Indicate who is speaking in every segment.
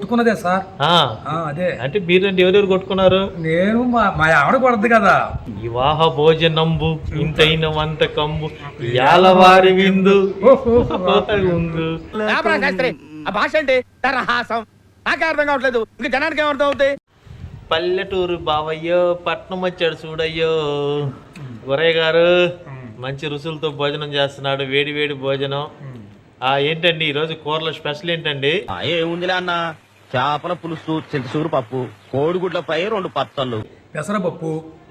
Speaker 1: కొట్టుకున్నదే sir. అదే
Speaker 2: అంటే బీరండి ఎవరెవరు కొట్టుకున్నారు?
Speaker 1: నేను మా ఆవిడ కొడద్దు కదా.
Speaker 2: వివాహ భోజనంబు ఇంతైన వంట కంబు యాలవారి విందు ఉంది.
Speaker 3: ఆ భాష అంటే తరహాసం నాకే అర్థం కావట్లేదు, ఇంకా జనానికి ఏమర్థం అవుతాయి?
Speaker 2: పల్లెటూరు బావయ్యో పట్నం వచ్చాడు చూడయ్యో. గురయ్య గారు మంచి రుసులతో భోజనం చేస్తున్నాడు, వేడి వేడి భోజనం. ఏంటండి ఈరోజు కూరలో స్పెషల్ ఏంటండి?
Speaker 3: ఏముందిలే అన్న, చేపల పులుసు, చింతసూరు పప్పు, కోడిగుడ్లపై 2 పచ్చళ్ళు,
Speaker 1: పెసరపప్పు,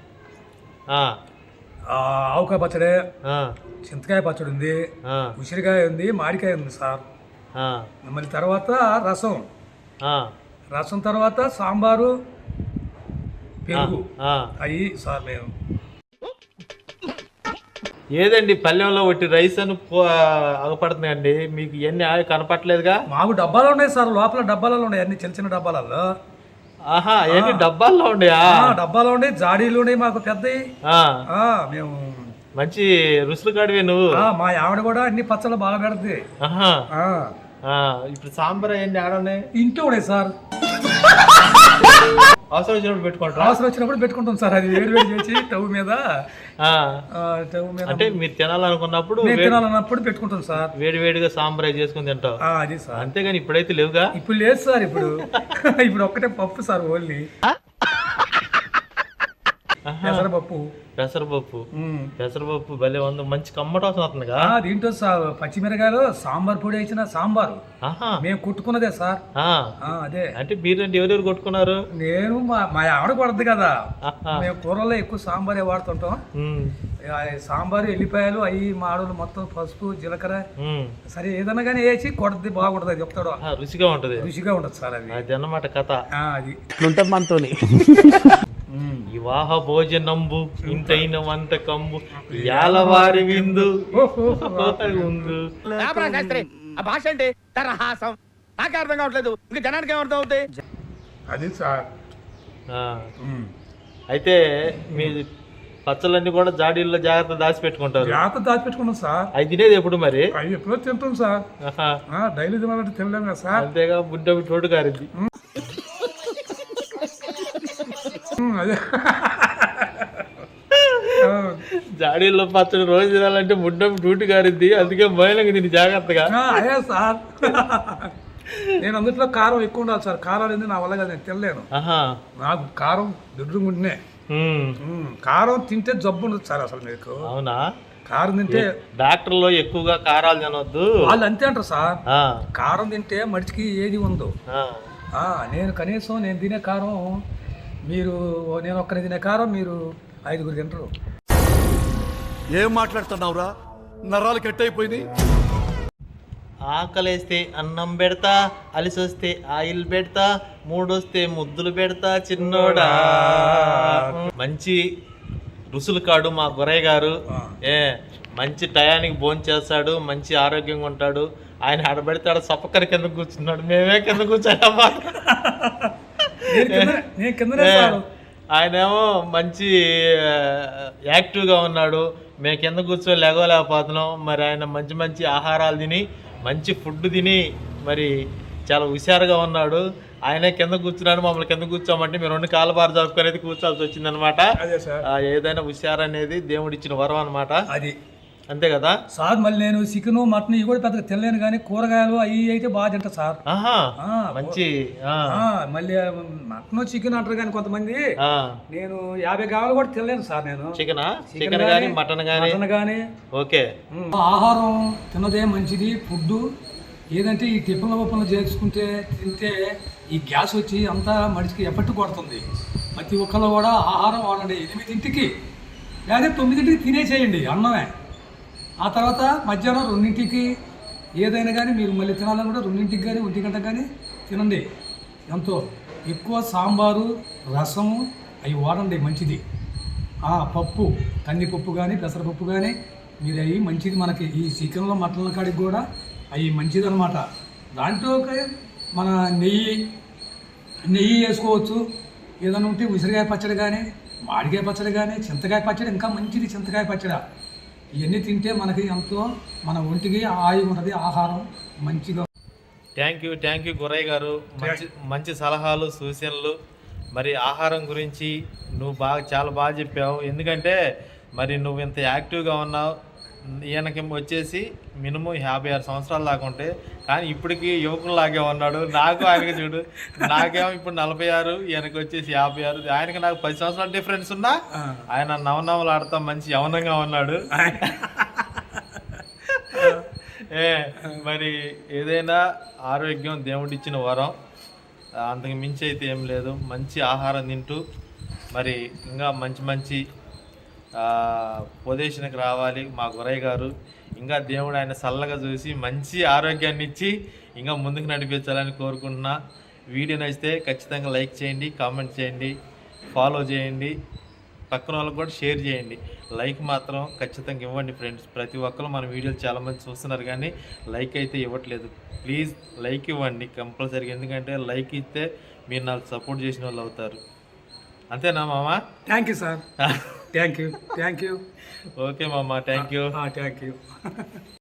Speaker 1: ఆవకాయ పచ్చడి, చింతకాయ పచ్చడి ఉంది, ఉసిరికాయ ఉంది, మామిడికాయ ఉంది సార్. మళ్ళీ తర్వాత రసం తర్వాత సాంబారు, పెరుగు అవి సార్. మేము
Speaker 2: ఏదండి పల్లెంలో ఒకటి రైస్ అని అగపడుతున్నాయండి, మీకు ఇవన్నీ కనపట్లేదుగా?
Speaker 1: మాకు డబ్బాలు ఉన్నాయి సార్, లోపల డబ్బాలలో ఉన్నాయి, అన్ని చిన్న చిన్న డబ్బాలలో.
Speaker 2: అవన్నీ డబ్బాల్లో ఉండయా?
Speaker 1: డబ్బాలో ఉండే, జాడీలు ఉన్నాయి మాకు పెద్దవి. మేము
Speaker 2: మంచి రుసులు కాడివే నువ్వు.
Speaker 1: మా ఆవిడ కూడా అన్ని పచ్చళ్ళు బాగా పెడుతుంది.
Speaker 2: ఇప్పుడు సాంబార్ అయ్యండి ఆడనే
Speaker 1: ఇంట్లో ఉన్నాయి సార్.
Speaker 2: అవసరం వచ్చినప్పుడు పెట్టుకుంటాం.
Speaker 1: అవసరం వచ్చినప్పుడు పెట్టుకుంటాం సార్. అది వేడి వేడి చేసి స్టవ్ మీద
Speaker 2: అంటే మీరు తినాలనుకున్నప్పుడు
Speaker 1: పెట్టుకుంటాం సార్.
Speaker 2: వేడి వేడిగా సాంబార్ చేసుకుని తింటాం.
Speaker 1: అది సార్.
Speaker 2: అంతేగాని ఇప్పుడైతే లేవుగా.
Speaker 1: ఇప్పుడు లేదు సార్. ఇప్పుడు ఒక్కటే పప్పు సార్, ఓన్లీ పెసరపప్పు.
Speaker 2: పెసరపప్పు భలే ఉంది, మంచి కమ్మట వస్తుందిగా.
Speaker 1: దీంట్లో పచ్చిమిరకాయలు, సాంబార్ పొడి వేసిన సాంబారు మేము కొట్టుకున్నదే సార్. అదే
Speaker 2: అంటే బీరండి ఎవరెవరు కొట్టుకున్నారు?
Speaker 1: నేను మా ఆవిడ కొడద్దు కదా. మేము కూరల్లో ఎక్కువ సాంబారే వాడుతుంటాం. సాంబారు, ఎల్లిపాయలు అవి మాడలు మొత్తం, పసుపు, జీలకర్ర, సరే ఏదన్నా కానీ వేసి కొడద్ది బాగుంటది. అది చెప్తాడు,
Speaker 2: రుచిగా ఉంటది.
Speaker 1: రుచిగా ఉంటది సార్. అది
Speaker 2: అన్నమాట కథ.
Speaker 1: అది
Speaker 3: ఉంటుంది మనతోని.
Speaker 2: వివాహ భోజనంబు ఇంతైన వంట కంబు యాలవారి విందు ఉంది.
Speaker 3: ఆ భాష అంటే తరహాసం నాకే అర్థం కావట్లేదు, ఇంకా జనానికి ఏమర్థం అవుతాయి?
Speaker 1: అది సార్.
Speaker 2: అయితే మీ పచ్చళ్ళన్నీ కూడా జాడీల్లో జాగ్రత్త దాచిపెట్టుకుంటారు.
Speaker 1: దాచిపెట్టుకున్నాం సార్.
Speaker 2: అవి తినేది ఎప్పుడు మరి?
Speaker 1: అవి ఎప్పుడో తింటాం సార్. డైలీ తినాలంటే తినలేము కదా సార్.
Speaker 2: అంతేగా బుడ్డ తోడు కారింది. జాడీల్లో పచ్చడి రోజు తినాలంటే ముడ్డం డ్యూటీ గారిద్ది, అందుకే మహిళకి దీన్ని జాగ్రత్తగా.
Speaker 1: అదే సార్. నేను అందులో కారం ఎక్కువ ఉండాలి సార్. కారాలు ఏంది నా వల్ల కదా, నేను తినలేను. నాకు కారం దుడ్డుకుంటునే. కారం తింటే జబ్బు ఉండదు సార్ అసలు మీకు.
Speaker 2: అవునా?
Speaker 1: కారం తింటే
Speaker 2: డాక్టర్లో ఎక్కువగా కారాలు తినొద్దు
Speaker 1: వాళ్ళు అంతే అంటారు సార్. కారం తింటే మనిషికి ఏది ఉందో. నేను కనీసం నేను తినే కారం నేను ఒక్కరి తినే కారం మీరు 5గురు తింటారు.
Speaker 4: ఏం మాట్లాడుతున్నావురా? నరాలు కట్ అయిపోయింది.
Speaker 2: ఆకలేస్తే అన్నం పెడతా, అలిసొస్తే ఆయిల్ పెడతా, మూడొస్తే ముద్దులు పెడతా చిన్నోడా. మంచి రుసులు కాడు మా గురయ్య గారు. మంచి టయానికి భోజనం చేస్తాడు, మంచి ఆరోగ్యంగా ఉంటాడు. ఆయన ఆడబెడితే ఆడ సపక్కరి కింద కూర్చున్నాడు, మేమే కింద కూర్చోమ్మా. ఆయనేమో మంచి యాక్టివ్గా ఉన్నాడు, మేము కింద కూర్చొని లేగలేకపోతున్నాం. మరి ఆయన మంచి మంచి ఆహారాలు తిని, మంచి ఫుడ్ తిని మరి చాలా హుషారుగా ఉన్నాడు. ఆయనే కింద కూర్చున్నాడు, మమ్మల్ని కింద కూర్చోమంటే మేము 2 కాళ్ళ బారు జరుపుకునేది కూర్చోాల్సి వచ్చింది అనమాట. ఏదైనా హుషారు అనేది దేవుడిచ్చిన వరం అనమాట. అది అంతే కదా
Speaker 1: సార్. మళ్ళీ నేను చికెన్, మటన్ ఇవి కూడా పెద్దగా తినలేను, కానీ కూరగాయలు అవి అయితే బాగా తింటా సార్.
Speaker 2: మంచి.
Speaker 1: మళ్ళీ మటన్, చికెన్ అంటారు కానీ కొంతమంది. నేను 50 గ్రాములు కూడా తినలేను సార్. నేను
Speaker 2: చికెన్ కానీ మటన్ కానీ ఓకే.
Speaker 1: ఆహారం తిన్నదే మంచిది. ఫుడ్ ఏదంటే ఈ టిఫిన్ల ఉప్పులు చేసుకుంటే తింటే ఈ గ్యాస్ వచ్చి అంతా మనిషికి ఎఫెక్ట్ కొడుతుంది. ప్రతి ఒక్కళ్ళు కూడా ఆహారం వాడండి. 8ంటికి లేదా 9ంటికి తినేసేయండి అన్నమే. ఆ తర్వాత మధ్యాహ్నం 2ంటికి ఏదైనా కానీ మీరు మళ్ళీ తినాలని కూడా 2ంటికి కానీ 1 గంటకు కానీ తినండి. ఎంతో ఎక్కువ సాంబారు, రసము అవి వాడండి, మంచిది. పప్పు, కందిపప్పు కానీ పెసరపప్పు కానీ మీరు అవి మంచిది. మనకి ఈ చికెన్లో, మటన్ల కాడికి కూడా అవి మంచిది అనమాట. దాంట్లో మన నెయ్యి వేసుకోవచ్చు. ఏదైనా ఉంటే ఉసిరికాయ పచ్చడి కానీ, మామిడికాయ పచ్చడి కానీ, చింతకాయ పచ్చడి ఇంకా మంచిది. చింతకాయ పచ్చడి ఇవన్నీ తింటే మనకి ఎంతో మన ఒంటికి ఆయువు ఉంటుంది. ఆహారం మంచిగా
Speaker 2: థ్యాంక్ యూ గురయ్య గారు. మంచి సలహాలు సూచనలు. మరి ఆహారం గురించి నువ్వు చాలా బాగా చెప్పావు. ఎందుకంటే మరి నువ్వు ఇంత యాక్టివ్గా ఉన్నావు. ఈయనకి వచ్చేసి మినిమం 56 సంవత్సరాలు దాకా ఉంటే, కానీ ఇప్పటికీ యువకులాగే ఉన్నాడు. నాకు ఆయనకి చూడు, నాకేమో ఇప్పుడు 46, ఈయనకి వచ్చేసి 56. ఆయనకి నాకు 10 సంవత్సరాల డిఫరెన్స్ ఉన్నా ఆయన నవనవలు ఆడుతా మంచి యవనంగా ఉన్నాడు. మరి ఏదైనా ఆరోగ్యం దేవుడిచ్చిన వరం, అంతకు మించి అయితే ఏం లేదు. మంచి ఆహారం తింటూ మరి ఇంకా మంచి పొజిషన్కి రావాలి మా గురయ్య గారు. ఇంకా దేవుడు ఆయన చల్లగా చూసి మంచి ఆరోగ్యాన్ని ఇచ్చి ఇంకా ముందుకు నడిపించాలని కోరుకుంటున్నా. వీడియో నచ్చితే ఖచ్చితంగా లైక్ చేయండి, కామెంట్ చేయండి, ఫాలో చేయండి, పక్కన వాళ్ళకి కూడా షేర్ చేయండి. లైక్ మాత్రం ఖచ్చితంగా ఇవ్వండి ఫ్రెండ్స్. ప్రతి ఒక్కరు మన వీడియోలు చాలామంది చూస్తున్నారు కానీ లైక్ అయితే ఇవ్వట్లేదు. ప్లీజ్ లైక్ ఇవ్వండి కంపల్సరీగా. ఎందుకంటే లైక్ ఇస్తే మీరు నాకు సపోర్ట్ చేసిన వాళ్ళు అవుతారు. అంతేనా మామ?
Speaker 1: Thank you sir. Thank you.
Speaker 2: Okay మామ, థ్యాంక్ యూ.
Speaker 1: Thank you.